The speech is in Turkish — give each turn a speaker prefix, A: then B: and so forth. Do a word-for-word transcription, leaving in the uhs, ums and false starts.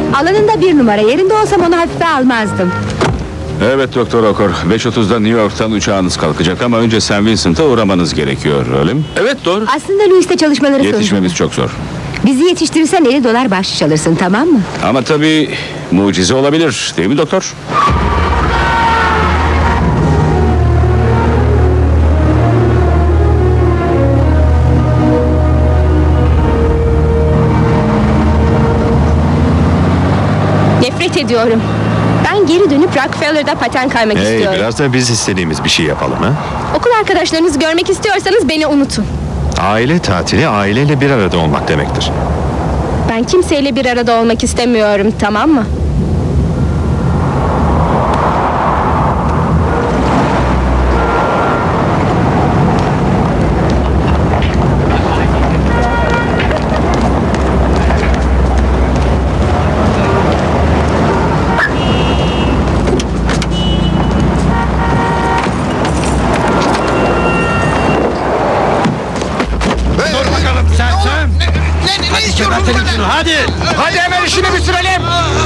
A: Alanında bir numara, yerinde olsam onu hafife almazdım.
B: Evet Doktor Okor, beş otuzda New York'tan uçağınız kalkacak ama önce Saint Vincent'a uğramanız gerekiyor, öyle mi?
C: Evet doğru.
A: Aslında Louis'te çalışmaları
B: Yetişmemiz çok zor.
A: Bizi yetiştirirsen elli dolar bahşiş alırsın, tamam mı?
B: Ama tabii mucize olabilir, değil mi doktor?
D: Nefret ediyorum. Ben geri dönüp Rockefeller'da paten kaymak
E: Hey,
D: istiyorum.
E: biraz da biz istediğimiz bir şey yapalım ha?
D: Okul arkadaşlarınızı görmek istiyorsanız beni unutun.
E: Aile tatili aileyle bir arada olmak demektir.
D: Ben kimseyle bir arada olmak istemiyorum, tamam mı?
C: Dur bakalım sen sen.
F: Ne, ne, ne istiyorsunuz benden?
C: Hadi.
F: Hadi hemen işini bitirelim.